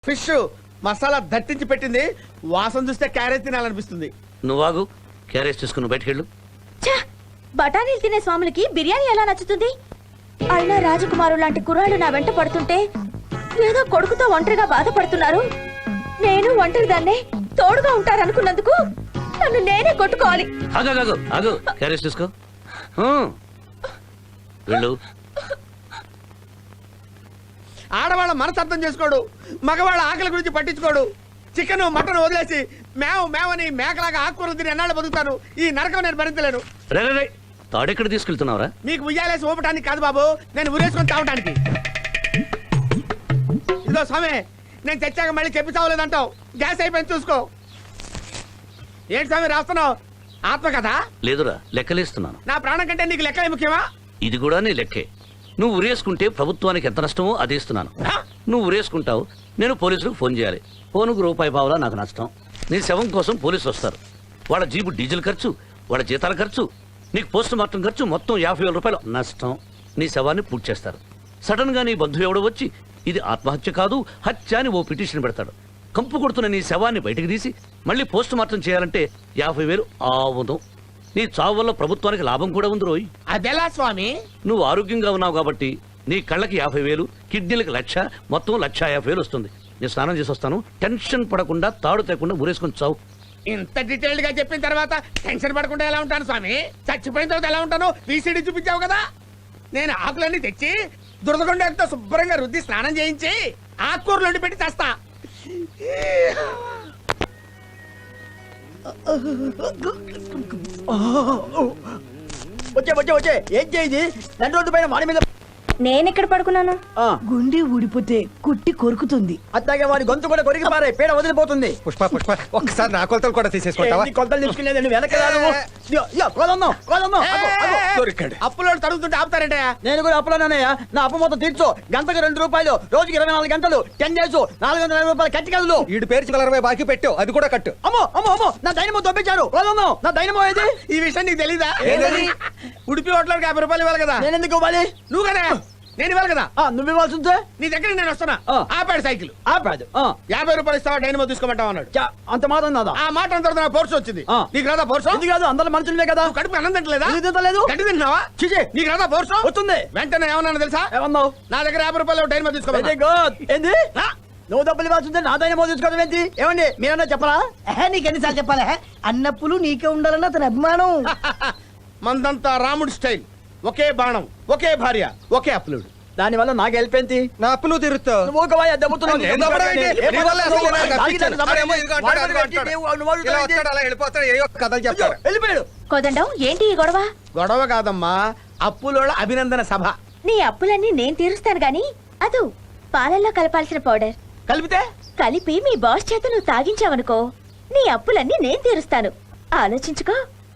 Fish masala దట్టించి పెట్టింది. వాసన చూస్తే క్యారెట్ తినాలనిపిస్తుంది. నువ్వాగు, క్యారేజ్ తీసుకుని బయటకెళ్ళు. బఠానీలు తినే స్వాములకి బిర్యానీ ఎలా నచ్చుతుంది? అయినా రాజకుమారు లాంటి కుర్రాళ్ళు నా వెంట పడుతుంటే ఏదో కొడుకుతో ఒంటరిగా బాధపడుతున్నారు. నేను ఒంటరి దాన్నే తోడుగా ఉంటారనుకున్నందుకు నన్ను నేనే కొట్టుకోవాలి. ఆగు, క్యారేజ్ తీసుకో. వెళ్ళు. ఆడవాళ్ళ మనసు అర్థం చేసుకోడు, మగవాళ్ళ ఆకలి గురించి పట్టించుకోడు. చికెన్ మటన్ వదిలేసి మేవని మేకలాగా ఆకుకూరలు తిని ఎన్నాళ్ళు బతుకుతాను. ఈ నరకం నేను భరించలేను. రే, తాడెక్కడ తీసుకెళ్తున్నావురా? మీకు ఉయ్యాలేసి ఊపటానికి కాదు బాబు, నేను ఉరేసుకొని తాగటానికి. ఇదో స్వామి, నేను తెచ్చాక మళ్ళీ చెప్పి చావలేదంటావు. గ్యాస్ అయిపోయింది చూసుకో. ఏంటి స్వామి రాస్తున్నావు? ఆత్మకథ? లేదురా, లెక్కలేస్తున్నాను. నా ప్రాణం కంటే నీకు లెక్కలే ముఖ్యమా? ఇది కూడా నీ లెక్కే. నువ్వు ఉరేసుకుంటే ప్రభుత్వానికి ఎంత నష్టమో అది ఇస్తున్నాను. నువ్వు ఉరేసుకుంటావు, నేను పోలీసులకు ఫోన్ చేయాలి. ఫోనుకు రూపాయి పావులా నాకు నష్టం. నీ శవం కోసం పోలీసులు వస్తారు. వాళ్ళ జీబు డీజిల్ ఖర్చు, వాళ్ళ జీతాల ఖర్చు, నీకు పోస్ట్ మార్టం ఖర్చు మొత్తం 50,000 రూపాయలు నష్టం. నీ శవాన్ని పూర్తి చేస్తారు. సడన్ గా నీ బంధువు ఎవడో వచ్చి ఇది ఆత్మహత్య కాదు హత్య అని ఓ పిటిషన్ పెడతాడు. కంపు కొడుతున్న నీ శవాన్ని బయటకు తీసి మళ్ళీ పోస్ట్ మార్టం చేయాలంటే 50,000 ఆవును. నీ చావు వల్ల ప్రభుత్వానికి లాభం కూడా ఉంది రోయ్. అదెలా స్వామి? నువ్వు ఆరోగ్యంగా ఉన్నావు కాబట్టి నీ కళ్ళకి 50,000, కిడ్నీలకు 1,00,000, మొత్తం 1,50,000 వస్తుంది. నేను స్నానం చేసి వస్తాను. టెన్షన్ పడకుండా తాడు తేకుండా ఊరేసుకొని చావు. ఇంత డీటెయిల్డ్ గా చెప్పిన తర్వాత టెన్షన్ పడకుండా ఎలా ఉంటాను స్వామి? చచ్చిపోయిన తర్వాత ఎలా ఉంటాను? వీసీడీ చూపించావు కదా. నేను ఆకులన్నీ తెచ్చి దురదగొండతో శుభ్రంగా రుద్ది స్నానం చేయించి ఆకుకూరలు వండి పెట్టి తెస్తా. వచ్చే ఏం చేయి? 2 రోజుల పైన వాడి మీద నేనెక్కడ పడుకున్నాను? గుండె ఊడిపోతే కుట్టి కొరుకుతుంది. అట్లాగే వాడి గొంతు కూడా కొరికి పారే, పేడ వదిలిపోతుంది. పుష్ప ఒక్కసారి నా కొలతలు కూడా తీసేసుకుంటావా? కొలతలు తీసుకునేది వెనక అప్పులో తడుగుతుంటే ఆపుతారంటే నేను కూడా అప్పులోనయ్యా. నా అప్పు మొత్తం తీర్చు. గంటకు 2 రూపాయలు, రోజుకి 24 గంటలు, 10 డేస్, 450 రూపాయలు కట్టి కదలు. ఈడు పేరు 20 బాకీ పెట్టావు, అది కూడా కట్టు. అమ్మో నా దైనమో దొబ్బించారు. నా దైనమో ఏది? ఈ విషయం నీకు తెలీదా? ఉడిపి హోటల్కి 50 రూపాయలు ఇవ్వాలి కదా. నేను ఎందుకు ఇవ్వాలి? నువ్వు కదా, నేను ఇవ్వాలి కదా. నువ్వు ఇవ్వాల్సి ఉంటే నీ దగ్గర నేను వస్తున్నా. ఆపాడు సైకిల్. ఆపాడు. 50 రూపాయలు ఇస్తావా డైనమో తీసుకోమంటావు అన్నాడు. అంత మాత్రం నాదా? ఆ మాట అంత తర్వాత పోర్సు వచ్చింది. నీకు రాదా పోర్సు? ఎందుకు కాదు, అందరూ మనుషులే కదా. కడుపు అన్నం తింటలేదా? తింటలేదు. గడ్డి తింటున్నావా? చిచి, నీకు రాదా పోర్సు? వస్తుంది. వెంటనే ఏమన్నా తెలుసా? ఏమన్నావు? నా దగ్గర 50 రూపాయలు డైనమో తీసుకోమన్నా. Very good. ఏంది? నువ్వు డబ్బులు ఇవ్వాల్సి ఉంటే నా దైనమో తీసుకోవడం ఏంటి? ఏమండి మీరన్నా చెప్పరా? నీకు ఎన్నిసార్లు చెప్పాలా? అన్నప్పులు నీకే ఉండాలన్న అతని అభిమానం. మందంతా రాముడి స్టైల్. ఒకే బాణం, ఒకే భార్య, ఒకే అప్లుడు. దాని వల్ల నాకు హెల్ప్ ఏంటి? నా అప్పు నువ్వు తీరుస్తావు. నువ్వు ఒక వాయి దెబ్బతున్నావు. నేను దెబ్బడం ఏంటి? నీ వల్ల అసలు నాకు తప్పించాను. అరేమో ఇదిగో అంటాడు, అదిగో అంటాడు. ఇలా వస్తాడు, అలా వెళ్ళిపోతాడు, ఏయో కథలు చెప్తాడు. వెళ్ళిపోయాడు. కోదండం, ఏంటి ఈ గొడవ? గొడవ కాదమ్మా, అప్పులోళ్ళ అభినందన సభ. నీ అప్పులన్నీ నేను తీరుస్తాను గాని అదు పాలల్లో కలపాల్సిన పౌడర్ కలిపితే కలిపి మీ బాస్ చేత నువ్వు తాగించావనుకో, నీ అప్పులన్నీ నేను తీరుస్తాను. ఆలోచించుకో.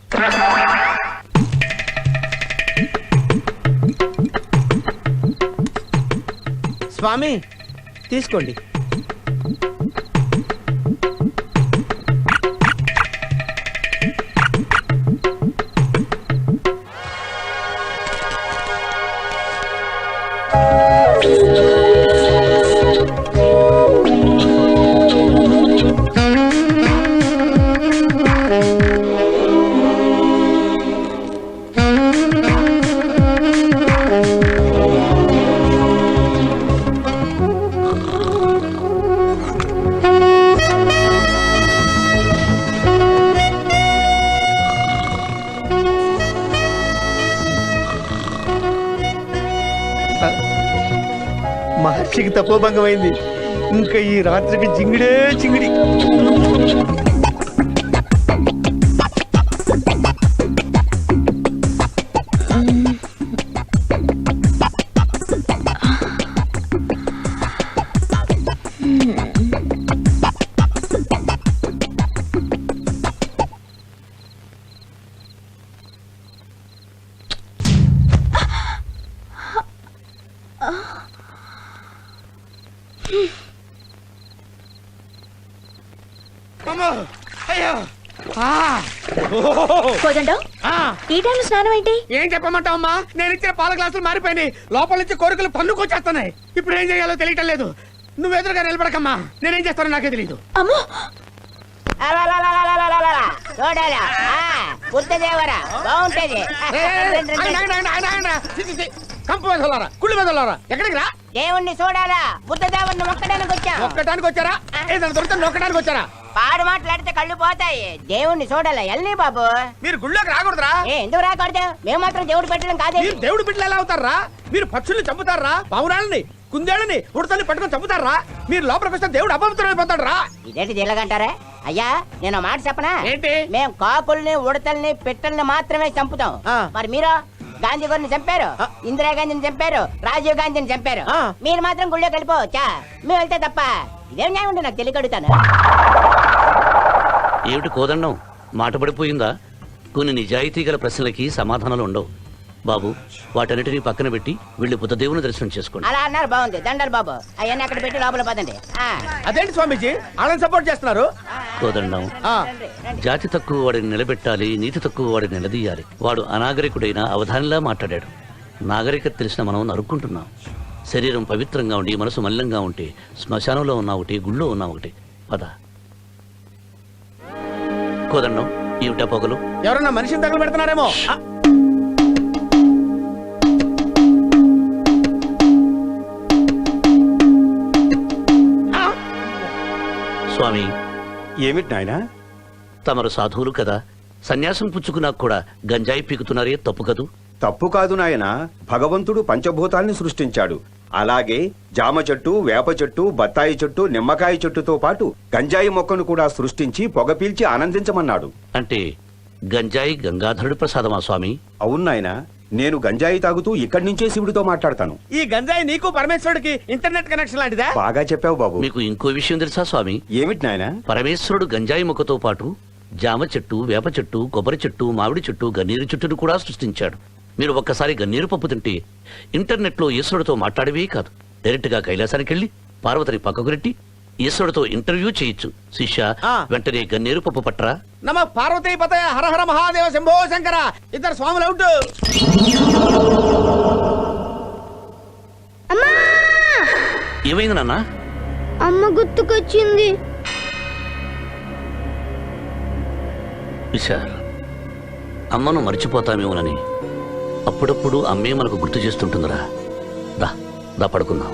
స్వామి తీసుకోండి. మహర్షికి తపోభంగం అయింది. ఇంకా ఈ రాత్రికి జింగిడే జింగిడి. కోదండం, ఈ టైంలో స్నానం ఏంటి? ఏం చెప్పమంటావమ్మా? నేను ఇచ్చిన పాల గ్లాసులు మారిపోయినాయి. లోపల నుంచి కోరికలు పన్నుకొచ్చేస్తున్నాయి. ఇప్పుడు ఏం చేయాలో తెలియటం లేదు. నువ్వు ఎదురుగా నిలబడకమ్మా, నేనేం చేస్తానో నాకే తెలియదు. అమ్మో చూడాలా బుద్ధదేవరా బాగుంటది. కంపు వెదలారా, కుళ్ళు వెదలారా, ఎక్కడికి రా? దేవుణ్ణి చూడాలా, బుద్ధదేవుణ్ణి మొక్కడానికి వచ్చాం. ఒక్కటానికి వచ్చారా? ఏదైనా దొరికితే నొక్కడానికి వచ్చారా? పాడు మాట్లాడితే కళ్ళు పోతాయి. దేవుణ్ణి చూడాలా ఎల్లి బాబు. మీరు గుళ్ళోకి రాకూడదురా. ఎందుకు రాకూడదు? మేము మాత్రం దేవుడు పెట్టడం కాదే. మీరు దేవుడి బిడ్డలు ఎలా అవుతారా? మీరు పక్షుల్ని చంపుతారా? పావురాళ్ళని, కుందేళ్ళని, ఉడతల్ని పట్టుకొని చంపుతారా? మీరు లోపలికి వస్తే దేవుడు అపవిత్రం అయిపోతాడు రా. ఇదేంటి దిల్లగంటారా? అయ్యా నేను మాట చెప్పనా? ఏంటి? మేము కాకుల్ని ఉడతల్ని పిట్టల్ని మాత్రమే చంపుతాం. మరి మీరు గాంధీ గారిని చంపారు, ఇందిరాగాంధీని చంపారు, రాజీవ్ గాంధీని చంపారు. మీరు మాత్రం గుళ్ళోకి వెళ్ళిపోవచ్చా? మేము వెళ్తే తప్ప ఇదేం న్యాయం ఉంటే నాకు తెలియకడుగుతాను. ఏమిటి కోదండం, మాట పడిపోయిందా? కొన్ని నిజాయితీ గల ప్రశ్నలకి సమాధానాలు ఉండవు బాబు. వాటన్నిటినీ పక్కన పెట్టి వెళ్ళి బుద్ధదేవుని దర్శనం చేసుకోండి. అలా అన్నారు బాగుంది. దండలు బాబు అవన్నీ అక్కడ పెట్టి లోపల పదండి. అదేంటి స్వామీజీ వాళ్ళని సపోర్ట్ చేస్తున్నారు? కోదండం, జాతి తక్కువ వాడిని నిలబెట్టాలి, నీతి తక్కువ వాడిని నిలదీయాలి. వాడు అనాగరికుడైన అవధానిలా మాట్లాడాడు. నాగరికత తెలిసిన మనం నరుక్కుంటున్నాం. శరీరం పవిత్రంగా ఉండి మనసు మల్లంగా ఉంటే శ్మశానంలో ఉన్న ఒకటి, గుళ్ళో ఉన్న ఒకటి. పద కోదండం. ఏమిటా పొగలు? ఎవరన్నా మనిషిని తగలు పెడుతున్నారేమో. స్వామి, ఏమిటి నాయనా? తమరు సాధువులు కదా, సన్యాసం పుచ్చుకున్నాక కూడా గంజాయి పీకుతున్నారే, తప్పు కదూ? తప్పు కాదు నాయనా. భగవంతుడు పంచభూతాల్ని సృష్టించాడు. అలాగే జామ చెట్టు, వేప చెట్టు, బత్తాయి చెట్టు, నిమ్మకాయ చెట్టుతో పాటు గంజాయి మొక్కను కూడా సృష్టించి పొగ పీల్చి ఆనందించమన్నాడు. అంటే గంజాయి గంగాధరుడి ప్రసాదమా స్వామి? అవును నాయనా, నేను గంజాయి తాగుతూ ఇక్కడి నుంచే శివుడితో మాట్లాడతాను. ఈ గంజాయి నీకు పరమేశ్వరుడికి ఇంటర్నెట్ కనెక్షన్ లాంటిదా? బాగా చెప్పావు బాబు. మీకు ఇంకో విషయం తెలుసా స్వామి? ఏమిటి నాయనా? పరమేశ్వరుడు గంజాయి మొక్కతో పాటు జామ చెట్టు, వేప చెట్టు, కొబ్బరి చెట్టు, మామిడి చెట్టు, గన్నీరు చెట్టును కూడా సృష్టించాడు. మీరు ఒక్కసారి గన్నీరు పప్పు తింటే ఇంటర్నెట్ లో ఈశ్వరుడితో మాట్లాడవే కాదు, డైరెక్ట్ గా కైలాసానికి వెళ్ళి పార్వతిని పక్కకు రెట్టి ఈశ్వరుడితో ఇంటర్వ్యూ చేయొచ్చు. శిష్య, వెంటనే గన్నీరు పప్పు పట్టరా. నమ పార్వతీ పతయ హర హర మహాదేవ శంభో శంకర. ఇద్దరు స్వాములు అవుట్. ఏమైంది నాన్న? అమ్మ గుర్తుకొచ్చింది. విశాల్, అమ్మను మర్చిపోతామేమోనని అప్పుడప్పుడు అమ్మే మనకు గుర్తు చేస్తుంటుందిరా. దా దా పడుకుందాం.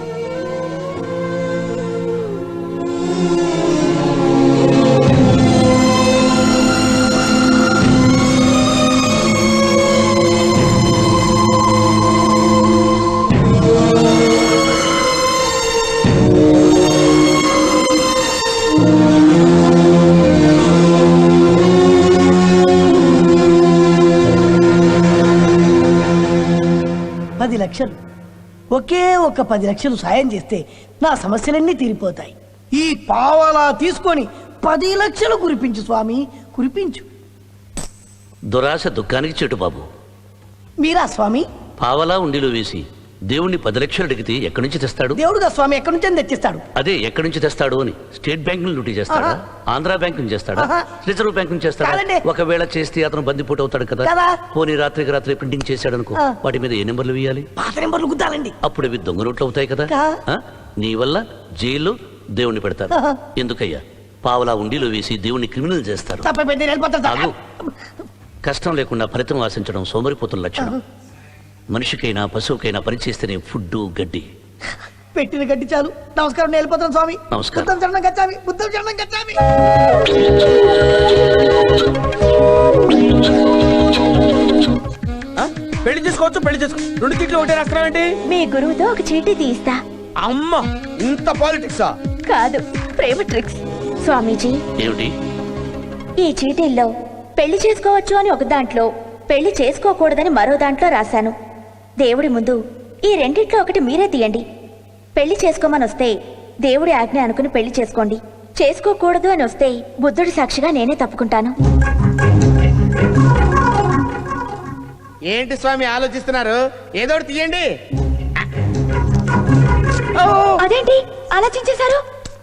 లక్షలు, ఒకే ఒక్క 10 లక్షలు సాయం చేస్తే నా సమస్యలన్నీ తీరిపోతాయి. ఈ పావలా తీసుకొని 10 లక్షలు కురిపించు స్వామి, కురిపించు. దురాశ దుఃఖానికి చెట్టు బాబు. మీరా స్వామి? పావలా ఉండిలో వేసి దేవుణ్ణి 10 లక్షలు అడిగితే ఎక్కడి నుంచి తెస్తాడు? దేవుడుగా స్వామి ఎక్కడి నుంచి తెచ్చిస్తాడు? అదే ఎక్కడి నుంచి తెస్తాడు అని స్టేట్ బ్యాంక్ ను లూటీ చేస్తాడా? ఆంధ్ర బ్యాంక్ నుంచి చేస్తాడా? రిజర్వ్ బ్యాంక్ నుంచి చేస్తాడా? ఒకవేళ చేస్తే అతను బందిపోటు అవుతాడు కదా. పోనీ రాత్రికి రాత్రి ప్రింటింగ్ చేశాడు అనుకో, వాటి మీద ఏ నెంబర్లు వేయాలి? పాత నెంబర్లు గుద్దాలండి. అప్పుడు అవి దొంగ నోట్లు అవుతాయి కదా. నీ వల్ల జైల్లో దేవుణ్ణి పెడతారు. ఎందుకయ్యా? పావలా ఉండిలో వేసి దేవుణ్ణి క్రిమినల్ చేస్తారు. కష్టం లేకుండా ఫలితం ఆశించడం సోమరిపోతున్న లక్షణం. మనిషికైనా పశువుకైనా పనిచేస్తేనే ఫుడ్, గడ్డి. పెట్టిన గడ్డి చాలు. నమస్కారం, నేను వెళ్ళిపోతాను స్వామి. నమస్కారం. బుద్ధం చరణం గచ్చామి, బుద్ధం చరణం గచ్చామి. పెళ్లి చేసుకోవచ్చు, పెళ్లి చేసుకో. 2 చీట్లు ఒకటే రాస్తావేంటి? మీ గురువుతో ఒక చీటీ తీస్తా. అమ్మ, ఇంత పాలిటిక్సా? కాదు, ప్రేమ ట్రిక్స్. స్వామీజీ, ఏమిటి? ఈ చీటీల్లో పెళ్లి చేసుకోవచ్చు అని ఒక దాంట్లో, పెళ్లి చేసుకోకూడదని మరో దాంట్లో రాశాను. దేవుడి ముందు ఈ రెండిట్లో ఒకటి మీరే తీయండి. పెళ్లి చేసుకోమని వస్తే దేవుడి ఆజ్ఞ అనుకుని పెళ్లి చేసుకోండి. చేసుకోకూడదు అని వస్తే బుద్ధుడి సాక్షిగా నేనే తప్పుకుంటాను. ఏంటి స్వామి ఆలోచిస్తున్నారు? ఏదోటి తీయండి. అదేంటి ఆలోచించేశారు?